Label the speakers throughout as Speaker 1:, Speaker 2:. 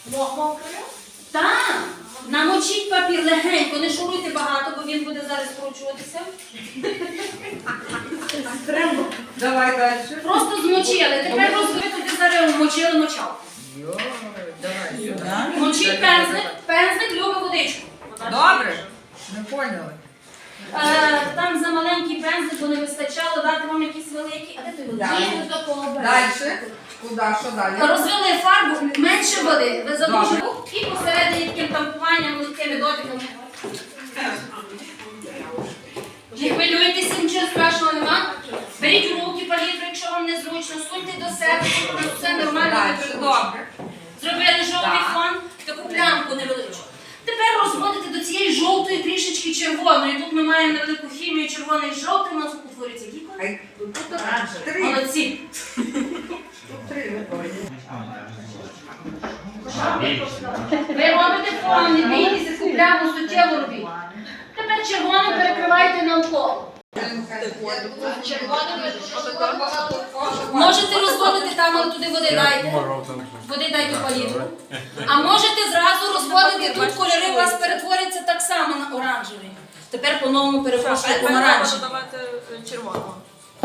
Speaker 1: Мокрою?
Speaker 2: Так. Намочіть папір легенько, не шуруйте багато, бо він буде зараз скручуватися.
Speaker 1: Давай далі.
Speaker 2: Просто змочили. Тепер розвитити зараз мочили мочалку.
Speaker 1: Давай сюди.
Speaker 2: Мочіть пензлик любить водичку.
Speaker 1: Добре. Ми поняли.
Speaker 2: Там за маленький пензлик, бо не вистачало, дати вам якісь великі. А де той великий? Є до такого бережу.
Speaker 1: Далі. Куди? Що далі?
Speaker 2: Розвели фарбу, менше води. Ви задушили і посередині таким тампуванням, легкими дотиками. Не хвилюйтеся, нічого страшного нема. Беріть у руки палітру, якщо вам незручно, суньте до себе, щоб у нас все нормально.
Speaker 1: Далі. Добре.
Speaker 2: Зробили жовтий фон, таку плямку невеличку. Тепер розводите до цієї жовтої трішечки червоної. Тут ми маємо невелику хімію червоний і жовтий, у нас утворюється який колір?
Speaker 1: Три.
Speaker 2: Молодці. Ви робите фон, не бійтеся, цю пляму суттєво робіть. Тепер червоним перекривайте навколо. Можете розводити там, але туди води дайте. Води дайте палітру. А можете зразу розводити тут кольори, у вас перетворяться так само на оранжевий. Тепер по-новому перепрошую помаранчевий.
Speaker 3: Давайте червоного.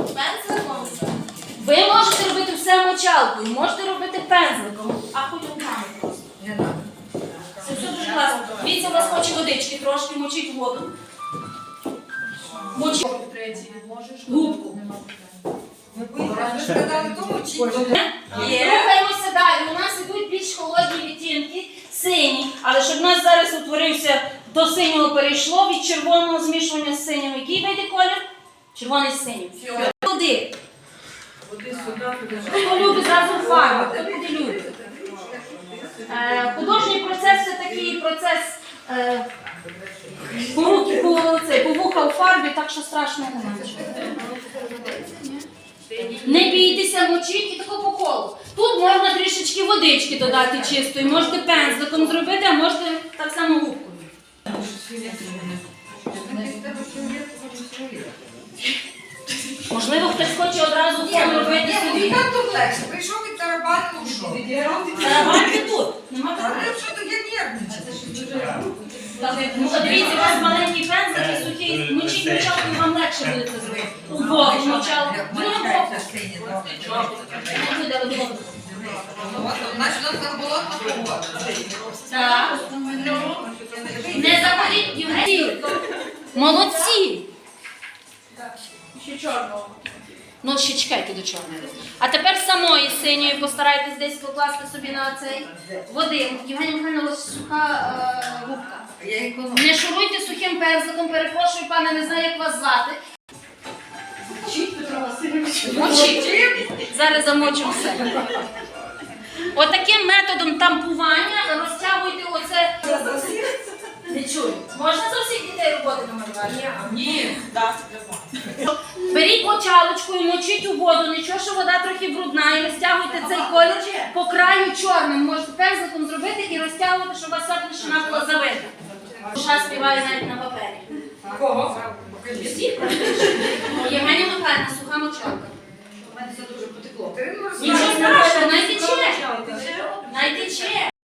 Speaker 2: Ви можете робити все мочалкою, можете робити пензликом, а хоч руками просто.
Speaker 1: Не треба.
Speaker 2: Це все дуже класно. Дивіться, у вас хоче водички трошки, мочіть воду. Мочіть губку.
Speaker 1: Ви сказали, то мочіть.
Speaker 2: Рухаємося далі. У нас ідуть більш холодні відтінки, сині. Але щоб у нас зараз утворився, до синього перейшло, від червоного змішування з синім. Який вийде колір? Червоний з синім. Води. Хто любить зразу фарбу, хто буде любить. Художній процес це такий процес по вуха у фарбі, так що страшного немає. Не бійтеся, мочіть і тако по колу. Тут можна трішечки водички додати чистої, можете пензликом зробити, а можете так само губкою. Можливо, хтось хоче одразу фон робити собі.
Speaker 1: Так тут легше. Прийшов від тарабани, ушов.
Speaker 2: Тарабаньте тут. Нема
Speaker 1: Але
Speaker 2: питань.
Speaker 1: що то я нервничаю.
Speaker 2: Ну, подивіться, у вас маленький пензлик і сухий, мочіть мочалку, і вам легше буде це зробити. У воду мочалку. Другим боком. Не буде воду.
Speaker 1: Значить, у нас там болотна погода.
Speaker 2: Так. Не забудіть, Євгеній. Молодці.
Speaker 3: Ще чорного.
Speaker 2: Ну, ще чекайте до чорної. А тепер самої синьої постарайтесь десь покласти собі на цей води. Євгенія Михайловна, у вас суха губка. Не шуруйте сухим пензликом, перепрошую, пане, не знаю, як вас звати. Мочіть. Зараз замочимо все. Отаким методом тампування розтягуйте оце. Не чую. Можна за всіх дітей роботи намалювати?
Speaker 3: Ні. Так,
Speaker 2: Беріть мочалочку і мочіть у воду, нічого, що вода трохи брудна, і розтягуйте цей колір по краю чорним. Можете пензликом зробити і розтягувати, щоб у вас вся площина була завита. Душа співає навіть на папері.
Speaker 1: Кого?
Speaker 2: Всіх практично. Євгенія Михайлівна, суха мочалка.
Speaker 1: У мене все дуже потекло.
Speaker 2: Нічого страшного, найтече. Найтече.